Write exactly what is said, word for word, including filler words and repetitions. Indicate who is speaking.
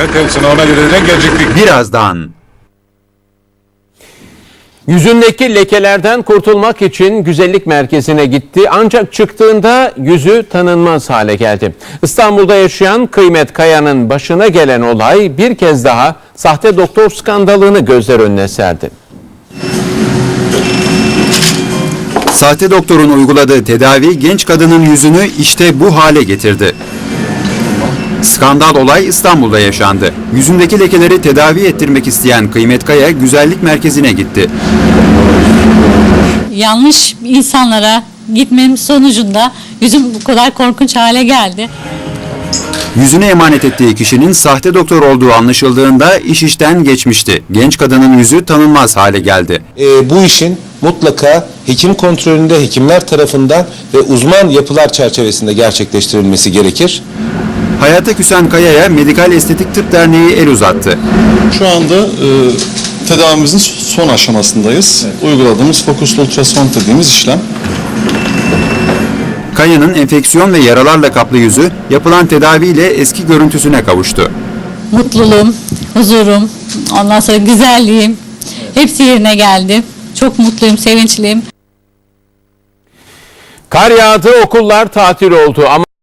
Speaker 1: Evet, hepsine ona göre de gelecektik.
Speaker 2: Birazdan.
Speaker 3: Yüzündeki lekelerden kurtulmak için güzellik merkezine gitti ancak çıktığında yüzü tanınmaz hale geldi. İstanbul'da yaşayan Kıymet Kaya'nın başına gelen olay bir kez daha sahte doktor skandalını gözler önüne serdi.
Speaker 2: Sahte doktorun uyguladığı tedavi genç kadının yüzünü işte bu hale getirdi. Skandal olay İstanbul'da yaşandı. Yüzündeki lekeleri tedavi ettirmek isteyen Kıymet Kaya güzellik merkezine gitti.
Speaker 4: Yanlış insanlara gitmenin sonucunda yüzüm bu kadar korkunç hale geldi.
Speaker 2: Yüzüne emanet ettiği kişinin sahte doktor olduğu anlaşıldığında iş işten geçmişti. Genç kadının yüzü tanınmaz hale geldi.
Speaker 5: E, bu işin mutlaka hekim kontrolünde hekimler tarafından ve uzman yapılar çerçevesinde gerçekleştirilmesi gerekir.
Speaker 2: Hayata küsen Kaya'ya Medikal Estetik Tıp Derneği el uzattı.
Speaker 6: Şu anda e, tedavimizin son aşamasındayız. Evet. Uyguladığımız fokuslu ultrason dediğimiz işlem.
Speaker 2: Kaya'nın enfeksiyon ve yaralarla kaplı yüzü yapılan tedaviyle eski görüntüsüne kavuştu.
Speaker 4: Mutluluğum, huzurum, ondan sonra güzelliğim hepsi yerine geldi. Çok mutluyum, sevinçliyim.
Speaker 3: Kar yağdı, okullar tatil oldu ama